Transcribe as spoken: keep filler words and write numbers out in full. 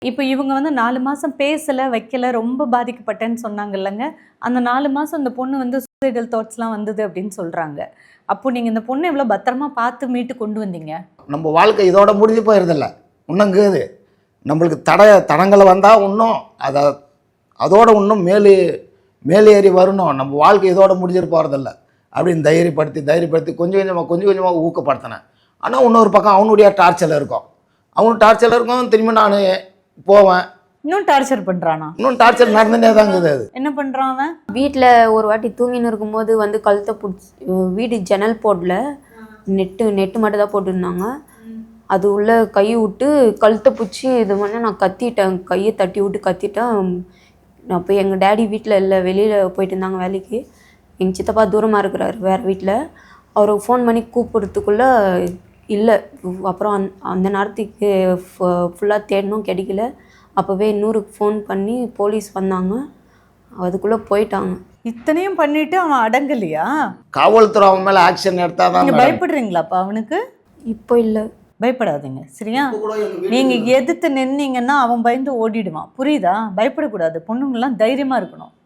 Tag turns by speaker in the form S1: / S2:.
S1: இப்போ இவங்க வந்து நாலு மாசம் பேசல, வைக்கல, ரொம்ப பாதிக்கப்பட்டேன்னு சொன்னாங்கல்லங்க. அந்த நாலு மாசம் அந்த பொண்ணு வந்து சூசைடல் தாட்ஸ்லாம் வந்தது அப்படின்னு சொல்றாங்க. அப்போ நீங்க இந்த பொண்ண எவ்வளோ பத்திரமா பார்த்து மீட்டு கொண்டு வந்தீங்க?
S2: நம்ம வாழ்க்கை இதோட முடிஞ்சு போயிருதில்ல. இன்னுங்குது நம்மளுக்கு தட தடங்கள் வந்தால் இன்னும் அதை அதோட இன்னும் மேலே மேலேறி வரணும். நம்ம வாழ்க்கை இதோட முடிஞ்சிட்டு போகிறதில்ல அப்படின்னு தைரியப்படுத்தி தைரியப்படுத்தி கொஞ்சம் கொஞ்சமாக கொஞ்சம் கொஞ்சமாக ஊக்கப்படுத்தினேன். ஆனால் இன்னொரு பக்கம் அவனுடைய டார்ச்சரில் இருக்கும். அவனு டார்ச்சரில் இருக்கும். திரும்பி நான் போவேன்.
S1: இன்னும் டார்ச்சர் பண்றானா?
S2: இன்னும் டார்ச்சர் நடந்துட்டே தான் இருக்குது. அது
S1: என்ன பண்றான் அவன்?
S3: வீட்டில் ஒரு வாட்டி தூங்கின்னு இருக்கும்போது வந்து கழுத்தை பிடிச்சி வீடு ஜன்னல் போடல, நெட்டு நெட்டு மட்டும் தான் போட்டுருந்தாங்க. அது உள்ள கை விட்டு கழுத்தை பிடிச்சி இது பண்ண நான் கத்திட்டேன். கையை தட்டி விட்டு கத்திட்டேன். நான் போய் எங்கள் டேடி வீட்டில் இல்லை, வெளியில் போயிட்டு இருந்தாங்க வேலைக்கு. எங்கள் சித்தப்பா தூரமாக இருக்கிறார் வேறு வீட்டில். அவருக்கு ஃபோன் பண்ணி கூப்பிட்றதுக்குள்ளே இல்லை. அப்புறம் அந் அந்த நேரத்துக்கு ஃபுல்லாக தேடணும், கிடைக்கல. அப்போவே இன்னூறுக்கு ஃபோன் பண்ணி போலீஸ் வந்தாங்க. அதுக்குள்ளே போயிட்டாங்க.
S1: இத்தனையும் பண்ணிட்டு அவன் அடங்கலையா?
S2: காவல்துறை அவன் மேலே ஆக்ஷன் எடுத்தால் தான்.
S1: நீங்கள் பயப்படுறீங்களாப்பா அவனுக்கு?
S3: இப்போ இல்லை.
S1: பயப்படாதீங்க சரியா? நீங்க எதிர்த்து நின்னீங்கன்னா அவன் பயந்து ஓடிடுவான். புரியுதா? பயப்படக்கூடாது. பொண்ணுங்கள்லாம் தைரியமா இருக்கணும்.